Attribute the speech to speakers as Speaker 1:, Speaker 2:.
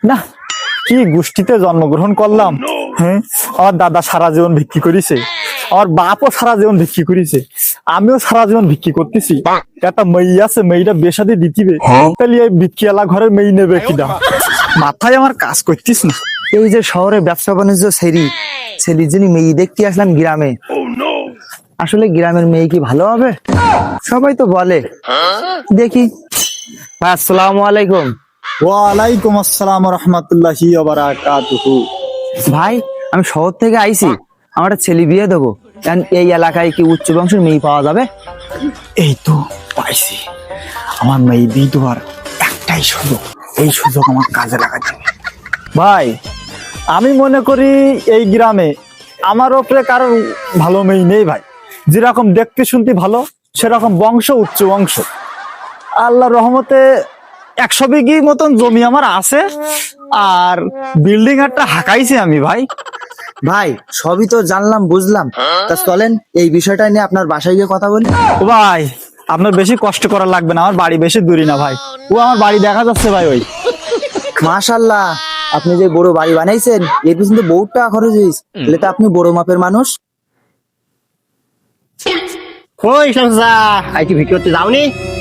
Speaker 1: না, কি গোষ্ঠীতে জন্মগ্রহণ করলাম। হ্যাঁ, আমার দাদা সারা জীবন ভিক্ষি করেছে, আমার বাপও সারা জীবন ভিক্ষি করেছে, আমিও সারা জীবন ভিক্ষি করতেছি। একটা মেয়ে আছে, মেয়েটা বেশাদি দিতিবে, তাহলে এই ভিক্ষিয়ালা ঘরের মেয়ে নেবে কিনা, মাথায় আমার কাজ করতিস না।
Speaker 2: এই যে শহরে ব্যবসা বাণিজ্য সেরির জন্য মেয়ে দেখতে আসলাম গ্রামে। আসলে গ্রামের মেয়ে কি ভালো হবে? সবাই তো বলে। দেখি। আসসালামু আলাইকুম।
Speaker 1: ওয়ালাইকুম আসসালাম রহমতুল্লাহি ওয়া বারাকাতুহু।
Speaker 2: ভাই, আমি শহর থেকে আইছি, আমার একটা ছেলে বিয়ে দেবো। এই এলাকায় কি উচ্চ বংশের মেয়ে পাওয়া যাবে?
Speaker 1: এই তো পাইছি, আমার মেয়ে বিয়ে দেওয়ার একটাই সুযোগ, এই সুযোগ আমার কাজে লাগাতে হবে। ভাই, আমি মনে করি এই গ্রামে আমার ওপরে কারোর ভালো মেয়ে নেই ভাই। যেরকম দেখতে শুনতে ভালো, সেরকম বংশ উচ্চ বংশ। আল্লাহর রহমতে 100 বিঘি মতন জমি আমার আছে, আর বিল্ডিং একটা হাঁকাইছি আমি ভাই।
Speaker 2: ভাই, সবই তো জানলাম বুঝলাম, তা চলেন এই বিষয়টা নিয়ে আপনার বাসায় গিয়ে কথা বলি।
Speaker 1: ও ভাই, আপনার বেশি কষ্ট করা লাগবে না, আমার বাড়ি বেশি দূরি না ভাই। ও আমার বাড়ি দেখা যাচ্ছে ভাই। ওই
Speaker 2: মাশাআল্লাহ, আপনি যে বড় বাড়ি বানাইছেন, এর পিছনে বহুত টাকা খরচ হয়েছে। তাহলে তো আপনি বড় মাপের মানুষ।
Speaker 3: কই শামসা, আই কি ভিডিওতে যাওনি?